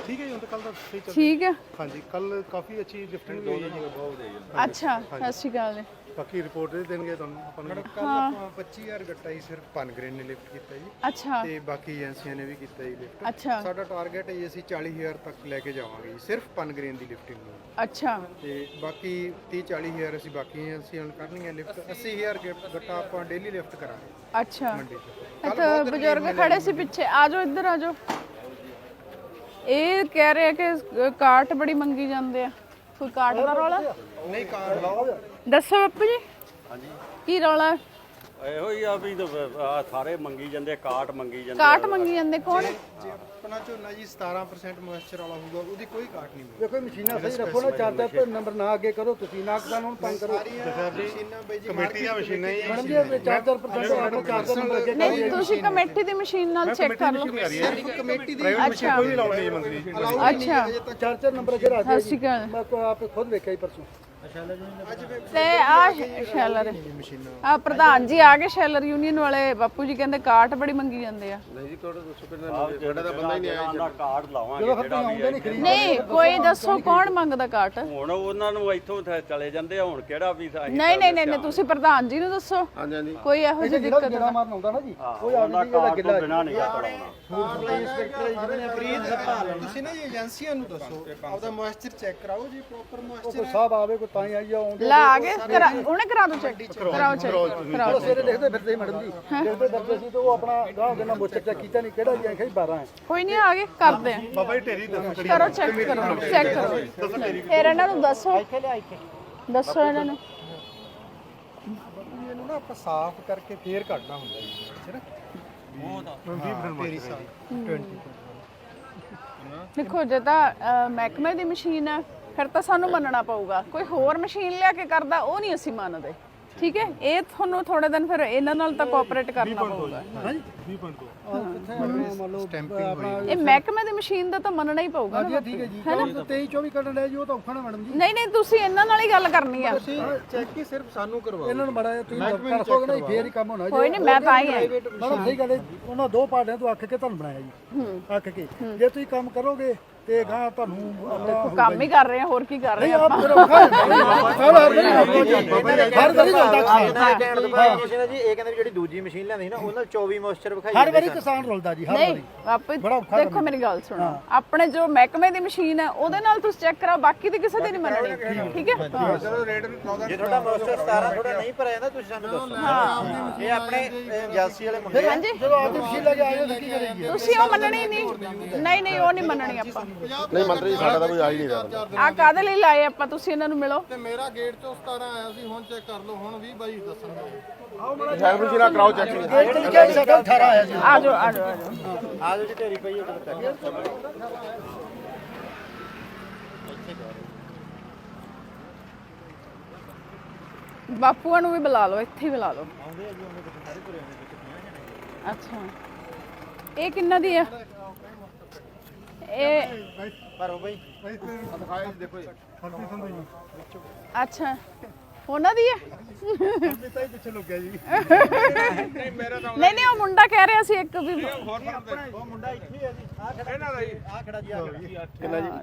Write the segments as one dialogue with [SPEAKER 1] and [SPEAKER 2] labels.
[SPEAKER 1] ठीक है जी, कल तो सही चल
[SPEAKER 2] ठीक है।
[SPEAKER 1] हाँ जी, कल काफ़ी अच्छी लिफ्टिंग हुई है जी।
[SPEAKER 2] अच्छा सत श्री अकाल जी।
[SPEAKER 1] बाकी रिपोर्ट दे देंगे ਤੁਹਾਨੂੰ ਆਪਾਂ ਨੂੰ।
[SPEAKER 3] ਕੱਲ ਆਪਾਂ 25000 ਗੱਟਾ ਹੀ ਸਿਰਫ ਪਨਗ੍ਰੇਨ ਨੇ ਲਿਫਟ ਕੀਤਾ ਜੀ
[SPEAKER 2] अच्छा
[SPEAKER 3] ਤੇ ਬਾਕੀ ਏਜੰਸੀਆਂ ਨੇ ਵੀ ਕੀਤਾ ਜੀ ਲਿਫਟ।
[SPEAKER 2] अच्छा
[SPEAKER 3] ਸਾਡਾ ਟਾਰਗੇਟ ਹੈ ਜੀ ਅਸੀਂ 40000 ਤੱਕ ਲੈ ਕੇ ਜਾਵਾਂਗੇ ਜੀ ਸਿਰਫ ਪਨਗ੍ਰੇਨ ਦੀ ਲਿਫਟਿੰਗ ਨੂੰ
[SPEAKER 2] अच्छा
[SPEAKER 3] ਤੇ ਬਾਕੀ 30-40000 ਅਸੀਂ ਬਾਕੀ ਏਜੰਸੀਆਂ ਨੂੰ ਕਰਨੀਆਂ ਲਿਫਟ। 80000 ਗੱਟਾ ਆਪਾਂ ਡੇਲੀ ਲਿਫਟ ਕਰਾਂਗੇ
[SPEAKER 2] अच्छा
[SPEAKER 3] ਮੰਡੀ 'ਚ।
[SPEAKER 2] ਇੱਥੇ ਬਜ਼ੁਰਗ ਖੜੇ ਸੀ ਪਿੱਛੇ, ਆ ਜਾਓ ਇੱਧਰ ਆ ਜਾਓ। ਇਹ ਕਹਿ ਰਹੇ ਕਿ ਕਾਟ ਬੜੀ ਮੰਗੀ ਜਾਂਦੇ ਆ, ਕੋਈ ਕਾਟ ਦਾ ਰੌਲਾ
[SPEAKER 3] ਨਹੀਂ ਕਾਰ ਲਾਓ।
[SPEAKER 2] ਦੱਸੋ ਬਾਪੂ ਜੀ। ਹਾਂਜੀ ਕੀ ਰੌਲਾ?
[SPEAKER 4] ਇਹੋ ਹੀ ਆ ਵੀ ਸਾਰੇ ਮੰਗੀ ਜਾਂਦੇ, ਕਾਟ ਮੰਗੀ ਜਾਂਦੇ।
[SPEAKER 2] ਕਾਟ ਮੰਗੀ ਜਾਂਦੇ ਕੌਣ?
[SPEAKER 3] ਜੇ ਆਪਣਾ ਝੋਨਾ ਜੀ 17% ਮੋਇਸਚਰ ਵਾਲਾ ਹੋਊਗਾ ਉਹਦੀ ਕੋਈ ਕਾਟ ਨਹੀਂ ਮਿਲੇਗੀ।
[SPEAKER 5] ਦੇਖੋ ਮਸ਼ੀਨਾਂ ਸਹੀ ਰੱਖੋ ਨਾ, ਚਾਰ ਚਾਰ ਨੰਬਰ ਨਾ ਅੱਗੇ ਕਰੋ ਤੁਸੀਂ, ਨਾ ਕਿਸਾਨ ਨੂੰ ਤੰਗ ਕਰੋ।
[SPEAKER 3] ਮਸ਼ੀਨਾਂ ਬਈ ਜੀ
[SPEAKER 1] ਕਮੇਟੀ ਦੀਆਂ ਮਸ਼ੀਨਾਂ ਹੀ
[SPEAKER 5] ਮੈਡਮ ਜੀ 4-4% ਆਟੋ 4 ਨੰਬਰ ਅੱਗੇ
[SPEAKER 2] ਨਹੀਂ ਤੁਸੀਂ ਕਮੇਟੀ ਦੀ ਮਸ਼ੀਨ ਨਾਲ ਚੈੱਕ ਕਰ ਲਓ।
[SPEAKER 3] ਕਮੇਟੀ ਦੀ
[SPEAKER 1] ਪ੍ਰਾਈਵੇਟ ਮਸ਼ੀਨ ਕੋਈ ਨਹੀਂ ਲਾਉਣੀ ਜੀ ਮੰਤਰੀ ਜੀ।
[SPEAKER 2] ਅੱਛਾ
[SPEAKER 5] 4 ਨੰਬਰ ਅੱਗੇ ਰੱਖ
[SPEAKER 2] ਸਤਿ ਸ਼੍ਰੀ ਅਕਾਲ।
[SPEAKER 5] ਮੈਂ ਆਪ ਖੁਦ ਵੇਖਿਆ ਹੀ ਪਰਸੋਂ।
[SPEAKER 2] ਤੇ ਆ ਸ਼ੈਲਰ ਆ ਪ੍ਰਧਾਨ ਜੀ ਆ ਗਏ ਸ਼ੈਲਰ ਯੂਨੀਅਨ ਵਾਲੇ। ਬਾਪੂ ਜੀ ਕਹਿੰਦੇ ਕਾਟ ਬੜੀ ਮੰਗੀ ਜਾਂਦੇ ਆ।
[SPEAKER 4] ਨਹੀਂ ਜੀ ਤੁਹਾਡਾ ਦੱਸੋ ਕਿੰਨਾ ਸਾਡਾ ਤਾਂ ਬੰਦਾ ਹੀ ਨਹੀਂ ਆਇਆ। ਕਾਟ ਲਾਵਾਂਗੇ ਜਿਹੜਾ ਵੀ
[SPEAKER 2] ਨਹੀਂ ਕੋਈ ਦੱਸੋ ਕੌਣ ਮੰਗਦਾ ਕਾਟ?
[SPEAKER 4] ਹੁਣ ਉਹਨਾਂ ਨੂੰ ਇੱਥੋਂ ਚਲੇ ਜਾਂਦੇ ਆ, ਹੁਣ ਕਿਹੜਾ ਵੀ
[SPEAKER 2] ਨਹੀਂ ਨਹੀਂ ਨਹੀਂ ਤੁਸੀਂ ਪ੍ਰਧਾਨ ਜੀ ਨੂੰ ਦੱਸੋ।
[SPEAKER 4] ਹਾਂਜੀ ਹਾਂਜੀ
[SPEAKER 2] ਕੋਈ ਇਹੋ ਜਿਹੀ ਦਿੱਕਤ
[SPEAKER 5] ਜਿਹੜਾ ਮਾਰਨ ਆਉਂਦਾ ਨਾ ਜੀ ਉਹ
[SPEAKER 4] ਉਹਨਾਂ ਕਾਟ ਤੋਂ ਬਿਨਾਂ ਨਹੀਂ ਕਰਾਉਣਾ।
[SPEAKER 3] ਤੁਸੀਂ ਨਾ ਇਹ ਏਜੰਸੀਆਂ ਨੂੰ ਦੱਸੋ ਆਪਦਾ ਮੋਇਸਚਰ ਚੈੱਕ ਕਰਾਓ ਜੀ, ਪ੍ਰੋਪਰ ਮੋਇਸਚਰ
[SPEAKER 5] ਕੋਈ ਸਾਹਿਬ ਆਵੇ ਕੋਈ ਤਾਂ ਹੀ ਆਈ ਆਉਂਦੇ
[SPEAKER 2] ਲਾ ਆ ਗਏ ਉਹਨੇ ਕਰਾ ਦੋ ਚੈੱਕ, ਕਰਾਓ ਚੈੱਕ ਕਰਾਓ।
[SPEAKER 5] ਸਵੇਰੇ ਦੇਖਦੇ ਫਿਰਦੇ ਮੈਡਮ ਜੀ, ਦੇਖਦੇ ਫਿਰਦੇ ਸੀ ਤੇ ਉਹ ਆਪਣਾ ਗਾਹ ਦੇ ਨਾਲ ਮੋਚਰ ਚੈੱਕ ਕੀਤਾ ਨਹੀਂ ਕਿਹੜਾ ਜੀ ਆਖਿਆ 12 ਹੈ।
[SPEAKER 2] ਕੋਈ ਨਹੀਂ ਆ ਗਏ ਕਰਦੇ ਆ।
[SPEAKER 1] ਬਾਬਾ ਜੀ ਢੇਰੀ ਦੱਸੋ
[SPEAKER 2] ਕਰੋ ਚੈੱਕ ਕਰੋ ਚੈੱਕ ਕਰੋ। ਫਿਰ ਇਹਨਾਂ ਨੂੰ ਦੱਸੋ ਦੱਸੋ ਇਹਨਾਂ ਨੂੰ।
[SPEAKER 3] ਇਹਨੂੰ ਨਾ ਆਪਾਂ ਸਾਫ਼ ਕਰਕੇ ਫੇਰ ਕੱਢਣਾ ਹੁੰਦਾ ਜੀ ਮੋਇਸਚਰ।
[SPEAKER 2] ਦੇਖੋ ਜੇ ਤਾਂ ਮਹਿਕਮੇ ਦੀ ਮਸ਼ੀਨ ਹੈ ਫਿਰ ਤਾਂ ਸਾਨੂੰ ਮੰਨਣਾ ਪਊਗਾ। ਕੋਈ ਹੋਰ ਮਸ਼ੀਨ ਲਿਆ ਕੇ ਕਰਦਾ ਉਹ ਨਹੀਂ ਅਸੀਂ ਮੰਨਦੇ। ਠੀਕ ਹੈ ਇਹ ਤੁਹਾਨੂੰ ਥੋੜੇ ਦਿਨ ਫਿਰ ਇਹਨਾਂ ਨਾਲ ਤਾਂ ਕੋਆਪਰੇਟ ਕਰਨਾ ਪਊਗਾ।
[SPEAKER 5] ਹਾਂਜੀ
[SPEAKER 1] 20.2
[SPEAKER 5] ਮੰਨ ਲਓ ਆਪਣਾ
[SPEAKER 2] ਇਹ ਮਹਿਕਮੇ ਦੀ ਮਸ਼ੀਨ ਦਾ ਤਾਂ ਮੰਨਣਾ ਹੀ ਪਊਗਾ ਨਾ।
[SPEAKER 5] ਠੀਕ ਹੈ ਜੀ 23-24 ਕੱਢਣ ਲੈ ਜੀ ਉਹ ਤਾਂ ਔਖਾ ਨਾ ਮੈਡਮ ਜੀ।
[SPEAKER 2] ਨਹੀਂ ਨਹੀਂ ਤੁਸੀਂ ਇਹਨਾਂ ਨਾਲ ਹੀ ਗੱਲ ਕਰਨੀ ਆ।
[SPEAKER 3] ਚੈੱਕ ਹੀ ਸਿਰਫ ਸਾਨੂੰ ਕਰਵਾਓ।
[SPEAKER 5] ਇਹਨਾਂ ਨੂੰ ਬੜਾ ਤੁਸੀਂ ਕਰੋਗੇ ਨਾ ਫੇਰ ਹੀ ਕੰਮ ਹੋਣਾ ਜੀ।
[SPEAKER 2] ਕੋਈ ਨਹੀਂ ਮੈਂ ਤਾਂ ਹੀ ਆ।
[SPEAKER 5] ਮੈਡਮ ਸਹੀ ਗੱਲ ਹੈ, ਉਹਨਾਂ ਦੋ ਪਾਰਟੀਆਂ ਤੋਂ ਅੱਕ ਕੇ ਤੁਹਾਨੂੰ ਬਣਾਇਆ ਜੀ। ਅੱਕ ਕੇ ਜੇ ਤੁਸੀਂ ਕੰਮ ਕਰੋਗੇ ਤੇ ਗਾਂ ਤੁਹਾਨੂੰ
[SPEAKER 2] ਕੰਮ ਹੀ ਕਰ ਰਹੇ ਆ, ਹੋਰ ਕੀ ਕਰ ਰਹੇ ਆ
[SPEAKER 5] ਆਪ
[SPEAKER 2] ਆਪਾਂ।
[SPEAKER 5] ਫਿਰ ਔਖਾ ਹਰ ਵਾਰੀ
[SPEAKER 6] ਜੀ ਇਹ ਕਹਿੰਦੇ ਵੀ ਜਿਹੜੀ ਦੂਜੀ ਮਸ਼ੀਨ ਲੈਂਦੀ ਸੀ ਨਾ ਉਹਨਾਂ 24 ਮੋਇਸਚਰ ਵਿਖਾਈ
[SPEAKER 5] ਹਰ ਵਾਰੀ ਕਿਸਾਨ ਰੁਲਦਾ ਜੀ, ਹਰ
[SPEAKER 2] ਨਹੀਂ
[SPEAKER 5] ਵਾਰੀ।
[SPEAKER 2] ਆਪੇ ਦੇਖੋ ਮੇਰੀ ਗੱਲ ਸੁਣੋ, ਆਪਣੇ ਜੋ ਮਹਿਕਮੇ ਦੀ ਮਸ਼ੀਨ ਹੈ ਉਹਦੇ ਨਾਲ ਤੁਸੀਂ ਚੈੱਕ ਕਰਾਓ, ਬਾਕੀ ਦੀ ਕਿਸੇ ਦੀ ਨਹੀਂ ਮੰਨਣੀ। ਠੀਕ ਹੈ
[SPEAKER 3] ਚਲੋ ਰੇਟ
[SPEAKER 6] ਜੇ ਤੁਹਾਡਾ ਮੋਇਸਚਰ 17 ਥੋੜਾ ਨਹੀਂ ਭਰਿਆ ਜਾਂਦਾ ਤੁਸੀਂ ਸਾਨੂੰ ਦੱਸੋ। ਇਹ ਆਪਣੇ ਏਜੰਸੀ ਵਾਲੇ ਮੁੰਡੇ ਆ।
[SPEAKER 2] ਹਾਂਜੀ
[SPEAKER 5] ਜਦੋਂ ਆਪਦੀ ਮਸ਼ੀਨ ਲੈ ਕੇ ਆਏ ਹੋ ਤਾਂ ਕੀ ਕਰੇਗੀ?
[SPEAKER 2] ਤੁਸੀਂ ਉਹ ਮੰਨਣੀ ਨਹੀਂ ਨਹੀਂ ਉਹ ਨਹੀਂ ਮੰਨਣੀ ਆਪਾਂ।
[SPEAKER 4] ਨਹੀਂ ਮੰਤਰੀ ਸਾਡਾ ਤਾਂ ਕੋਈ ਆ ਹੀ ਨਹੀਂ ਰਿਹਾ।
[SPEAKER 2] ਆ ਕਾਦੇ ਲਈ ਲਾਏ ਆਪਾਂ? ਤੁਸੀਂ ਇਹਨਾਂ ਨੂੰ ਮਿਲੋ।
[SPEAKER 7] ਤੇ ਮੇਰਾ ਗੇਟ ਚੋਂ 17 ਆਇਆ ਸੀ, ਹੁਣ ਚੈੱਕ ਕਰ ਲਓ, ਹੁਣ 20 22 ਦੱਸਣਗੇ।
[SPEAKER 4] ਸਾਈਡ ਮਸ਼ੀਨਾਂ ਕਰਾਓ ਚੈੱਕ।
[SPEAKER 5] ਗੇਟ ਤੇ ਲਿਖਿਆ ਸਾਡਾ 18 ਆਇਆ ਜੀ।
[SPEAKER 2] ਆ ਜਾਓ ਆ ਜਾਓ ਆ ਜਾਓ।
[SPEAKER 6] ਆ ਜੋ ਜੀ ਢੇਰੀ ਪਈ ਉਹ ਚੈੱਕ
[SPEAKER 2] ਬਾਪੂਆਂ ਨੂੰ ਵੀ ਬੁਲਾ ਲਓ, ਇੱਥੇ ਹੀ ਬੁਲਾ ਲਓ। ਅੱਛਾ ਇਹ ਕਿੰਨਾ ਦੀ ਆ? ਇਹ
[SPEAKER 6] ਭਰੋ ਬਈ।
[SPEAKER 1] ਦੇਖੋ ਜੀ
[SPEAKER 2] ਅੱਛਾ ਉਹਨਾਂ ਦੀ ਹੈ।
[SPEAKER 1] ਪਿੱਛੇ ਲੁੱਕ ਗਿਆ ਜੀ।
[SPEAKER 2] ਨਹੀਂ ਨਹੀਂ ਉਹ ਮੁੰਡਾ ਕਹਿ ਰਿਹਾ ਸੀ ਇੱਕ ਵੀ।
[SPEAKER 6] ਉਹ ਮੁੰਡਾ ਇੱਥੇ ਹੀ ਆ ਜੀ। ਆ ਖੜਾ ਇਹਨਾਂ ਦਾ ਜੀ, ਆ ਖੜਾ ਜੀ, ਆ
[SPEAKER 4] ਕਿੰਨਾ ਜੀ?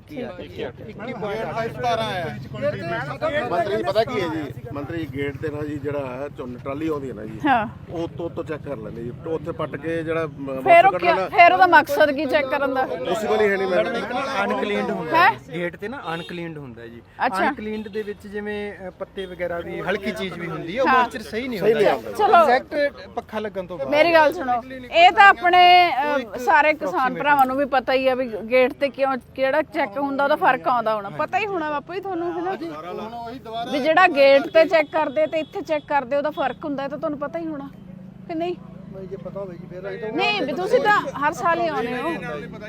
[SPEAKER 7] 17 ਆਇਆ।
[SPEAKER 4] ਮੰਤਰੀ ਪਤਾ ਕੀ ਹੈ ਜੀ, ਮੰਤਰੀ ਗੇਟ ਤੇ ਨਾ ਜੀ ਜਿਹੜਾ ਟਰਾਲੀ ਆਉਂਦੀ ਹੈ ਨਾ ਜੀ,
[SPEAKER 2] ਹਾਂ
[SPEAKER 4] ਉਹ ਤੋਂ ਚੈੱਕ ਕਰ ਲੈਂਦੇ ਜੀ। ਉੱਥੇ ਪੱਟ ਕੇ ਜਿਹੜਾ
[SPEAKER 2] ਫਿਰ ਉਹ ਫਿਰ ਉਹਦਾ ਮਕਸਦ ਕੀ ਚੈੱਕ ਕਰਨ ਦਾ?
[SPEAKER 4] ਪੋਸੀਬਲ ਹੀ ਹੈ ਨਹੀਂ ਮੈਡਮ।
[SPEAKER 8] ਅਨਕਲੀਨਡ ਹੁੰਦਾ ਹੈ ਗੇਟ ਤੇ ਨਾ, ਅਨਕਲੀਨਡ ਹੁੰਦਾ ਜੀ।
[SPEAKER 2] ਅੱਛਾ
[SPEAKER 8] ਅਨਕਲੀਨਡ ਦੇ ਵਿੱਚ ਜਿਵੇਂ ਪੱਤੇ ਵਗੈਰਾ ਵੀ ਹਲਕੀ ਚੀਜ਼ ਵੀ ਹੁੰਦੀ ਹੈ, ਉਹ ਮੋਇਸਚਰ ਸਹੀ ਨਹੀਂ ਹੁੰਦਾ।
[SPEAKER 2] ਚਲੋ
[SPEAKER 8] ਐਗਜ਼ੈਕਟ ਪੱਖਾ ਲੱਗਣ ਤੋਂ ਬਾਅਦ
[SPEAKER 2] ਮੇਰੀ ਗੱਲ ਸੁਣੋ, ਇਹ ਤਾਂ ਆਪਣੇ ਸਾਰੇ ਕਿਸਾਨ ਭਰਾਵਾਂ ਨੂੰ ਵੀ ਪਤਾ ਹੀ ਆ ਵੀ ਗੇਟ ਤੇ ਕਿਹੜਾ ਚੈੱਕ ਹੁੰਦਾ, ਉਹਦਾ ਫਰਕ ਆਉਂਦਾ ਹੋਣਾ। ਪਤਾ ਹੀ ਹੋਣਾ ਬਾਪੂ ਜੀ ਤੁਹਾਨੂੰ ਹੈ ਨਾ ਵੀ ਜਿਹੜਾ ਗੇਟ ਤੇ ਚੈੱਕ ਕਰਦੇ ਤੇ ਇੱਥੇ ਚੈੱਕ ਕਰਦੇ ਉਹਦਾ ਫਰਕ ਹੁੰਦਾ, ਇਹ ਤਾਂ ਤੁਹਾਨੂੰ ਪਤਾ ਹੀ ਹੋਣਾ ਕਿ ਨਹੀਂ?
[SPEAKER 5] ਜੇ ਪਤਾ ਹੋਵੇ ਜੀ ਫਿਰ ਅਸੀਂ ਤਾਂ
[SPEAKER 2] ਨਹੀਂ ਵੀ ਤੁਸੀਂ ਤਾਂ ਹਰ ਸਾਲ ਹੀ ਆਉਂਦੇ ਹੋ।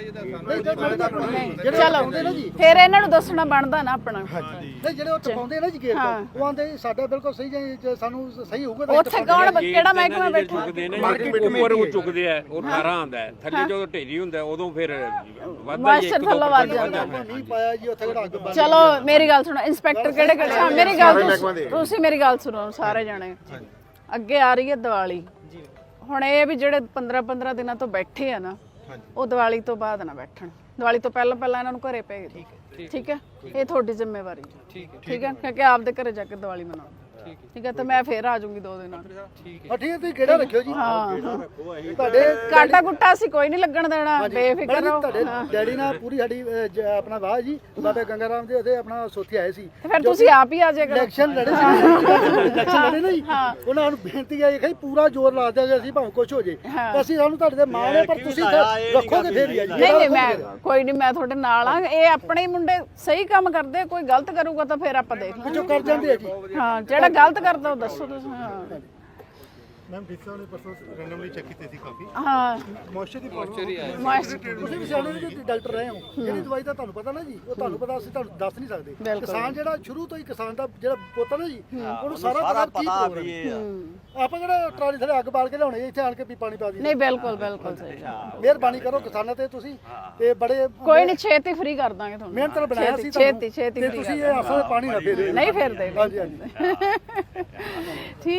[SPEAKER 2] ਚਲੋ ਫਿਰ ਇਹਨਾਂ ਨੂੰ ਦੱਸਣਾ ਬਣਦਾ ਨਾ ਆਪਣਾ।
[SPEAKER 5] ਨਹੀਂ ਜਿਹੜੇ ਉਹ ਟਪਾਉਂਦੇ ਨਾ ਜੀ ਗੇਟ ਉਹ ਆਂਦੇ ਸਾਡਾ ਬਿਲਕੁਲ ਸਹੀ ਜੇ ਸਾਨੂੰ ਸਹੀ ਹੋਊਗਾ ਤਾਂ
[SPEAKER 2] ਉੱਥੇ ਕੌਣ ਕਿਹੜਾ ਮਹਿਕਮਾ ਬੈਠਾ?
[SPEAKER 9] ਮਾਰਕੀਟ ਉੱਪਰ ਉਹ ਚੁੱਕਦੇ ਆ, ਉਹ 18 ਆਉਂਦਾ ਹੈ ਥੱਲੇ, ਜਦੋਂ ਢੇਰੀ ਹੁੰਦਾ ਉਦੋਂ ਫਿਰ ਵੱਧਦਾ ਹੀ
[SPEAKER 2] ਮਾਸਟਰ ਥੱਲੋਂ ਵੱਧ ਜਾਂਦਾ।
[SPEAKER 5] ਨਹੀਂ ਪਾਇਆ ਜੀ ਉੱਥੇ ਕਿਹੜਾ ਅੱਗ
[SPEAKER 2] ਚਲੋ ਮੇਰੀ ਗੱਲ ਸੁਣੋ, ਇੰਸਪੈਕਟਰ ਕਿਹੜੇ ਕਿਹੜੇ? ਮੇਰੀ ਗੱਲ ਤੁਸੀਂ ਮੇਰੀ ਗੱਲ ਸੁਣੋ ਸਾਰੇ ਜਾਣੇ। ਅੱਗੇ ਆ ਰਹੀ ਹੈ ਦੀਵਾਲੀ। ਹੁਣ ਇਹ ਵੀ ਜਿਹੜੇ 15 ਦਿਨਾਂ ਤੋਂ ਬੈਠੇ ਆ ਨਾ, ਉਹ ਦੀਵਾਲੀ ਤੋਂ ਬਾਅਦ ਨਾ ਬੈਠਣ। ਦੀਵਾਲੀ ਤੋਂ ਪਹਿਲਾਂ ਪਹਿਲਾਂ ਇਹਨਾਂ ਨੂੰ ਘਰੇ ਭੇਜ ਦਿਓ ਠੀਕ ਹੈ ਇਹ ਤੁਹਾਡੀ ਜ਼ਿੰਮੇਵਾਰੀ ਹੈ ਠੀਕ ਹੈ ਕਿਉਂਕਿ ਆਪਦੇ ਘਰੇ ਜਾ ਕੇ ਦੀਵਾਲੀ ਮਨਾਓ ਠੀਕ ਹੈ ਤੇ ਮੈਂ ਫੇਰ ਆ ਜਾਊਂਗੀ 2 ਦਿਨਾਂ
[SPEAKER 5] ਠੀਕ ਹੈ ਤੁਸੀਂ ਕਿਹੜਾ ਰੱਖਿਓ ਜੀ
[SPEAKER 2] ਹਾਂ
[SPEAKER 5] ਤੁਹਾਡੇ
[SPEAKER 2] ਕਾਟਾ ਕੁੱਟਾ ਅਸੀਂ ਕੋਈ ਨਹੀਂ ਲੱਗਣ ਦੇਣਾ ਬੇਫਿਕਰ ਰਹੋ
[SPEAKER 5] ਤੁਹਾਡੇ ਡੈਡੀ ਨਾਲ ਪੂਰੀ ਸਾਡੀ ਆਪਣਾ ਵਾਹ ਜੀ ਬਾਬਾ ਗੰਗਾ ਰਾਮ ਦੇ ਉਹਦੇ ਆਪਣਾ ਸੋਥੀ ਆਏ ਸੀ
[SPEAKER 2] ਤੇ ਫਿਰ ਤੁਸੀਂ ਆਪ ਹੀ ਆ ਜਾਇਆ ਕਰੋ
[SPEAKER 5] ਇਲੈਕਸ਼ਨ ਲੜੇ ਸੀ ਇਲੈਕਸ਼ਨ ਲੜੇ ਨਹੀਂ ਉਹਨਾਂ ਨੂੰ ਬੇਨਤੀ ਆਈ ਕਿ ਪੂਰਾ ਜ਼ੋਰ ਲਾ ਦਿਆਂਗੇ ਅਸੀਂ ਭਾਵੇਂ ਕੁਝ ਹੋ ਜੇ ਅਸੀਂ ਸਾਨੂੰ ਤੁਹਾਡੇ ਤੇ ਮਾਣ ਹੈ ਪਰ ਤੁਸੀਂ ਰੱਖੋਗੇ ਫੇਰ ਹੀ ਆ ਜੀ
[SPEAKER 2] ਨਹੀਂ ਮੈਂ ਕੋਈ ਨਹੀਂ ਮੈਂ ਤੁਹਾਡੇ ਨਾਲ ਆ ਇਹ ਆਪਣੇ ਹੀ ਮੁੰਡੇ ਸਹੀ ਕੰਮ ਕਰਦੇ ਕੋਈ ਗਲਤ ਕਰੂਗਾ ਤਾਂ ਫਿਰ ਆਪਾਂ ਦੇਖ ਲਾਂਗੇ
[SPEAKER 5] ਜੋ ਕਰ ਜਾਂਦੇ ਆ ਜੀ
[SPEAKER 2] ਹਾਂ ਜਿਹੜਾ ਗਲਤ ਕਰਦਾ ਉਹ ਦੱਸੋ ਤੁਸੀਂ ਹਾਂ
[SPEAKER 1] ਮੈਮ ਡੀਸਾ ਨੇ ਪਰਸੋਂ ਰੈਂਡਮਲੀ ਚੈੱਕ ਕੀਤੇ ਸੀ ਕਾਫੀ
[SPEAKER 2] ਹਾਂ
[SPEAKER 1] ਮੋਇਸਚਰ ਦੀ ਪ੍ਰੋਬਲਮ
[SPEAKER 5] ਤੁਸੀਂ ਵੀ ਸਿਆਣੇ ਜੀ ਡਾਕਟਰ ਰਹੇ ਹੋ ਜਿਹੜੀ ਦਵਾਈ ਦਾ ਤੁਹਾਨੂੰ ਪਤਾ ਨਾ ਜੀ ਉਹ ਤੁਹਾਨੂੰ ਪਤਾ ਅਸੀਂ ਤੁਹਾਨੂੰ ਦੱਸ ਨਹੀਂ ਸਕਦੇ ਕਿਸਾਨ ਜਿਹੜਾ ਸ਼ੁਰੂ ਤੋਂ ਹੀ ਕਿਸਾਨ ਦਾ ਜਿਹੜਾ ਪੁੱਤ ਨਾ ਜੀ ਉਹਨੂੰ ਸਾਰਾ ਪਤਾ ਵੀ ਆਪਾਂ ਜਿਹੜਾ ਟਰਾਲੀ ਥੱਲੇ ਅੱਗ ਬਾਲ ਕੇ ਲਿਆਉਣੇ ਇੱਥੇ ਆਣ ਕੇ ਵੀ ਪਾਣੀ ਪਾ ਦਈਏ
[SPEAKER 2] ਨਹੀਂ ਬਿਲਕੁਲ ਸਹੀ
[SPEAKER 5] ਮਿਹਰਬਾਨੀ ਕਰੋ ਕਿਸਾਨਾਂ ਤੇ ਤੁਸੀਂ ਤੇ ਬੜੇ
[SPEAKER 2] ਕੋਈ ਨਹੀਂ ਛੇਤੀ ਫ੍ਰੀ ਕਰ ਦਾਂਗੇ ਤੁਹਾਨੂੰ
[SPEAKER 5] ਮਿਹਨਤ ਨਾਲ ਬਣਾਇਆ ਸੀ
[SPEAKER 2] ਛੇਤੀ
[SPEAKER 5] ਤੇ ਤੁਸੀਂ ਇਹ ਆਸਾਂ ਪਾਣੀ ਨਾ ਫੇਰੇ
[SPEAKER 2] ਨਹੀਂ ਫੇਰਦੇ
[SPEAKER 5] ਹਾਂਜੀ ਹਾਂਜੀ
[SPEAKER 2] ਠੀਕ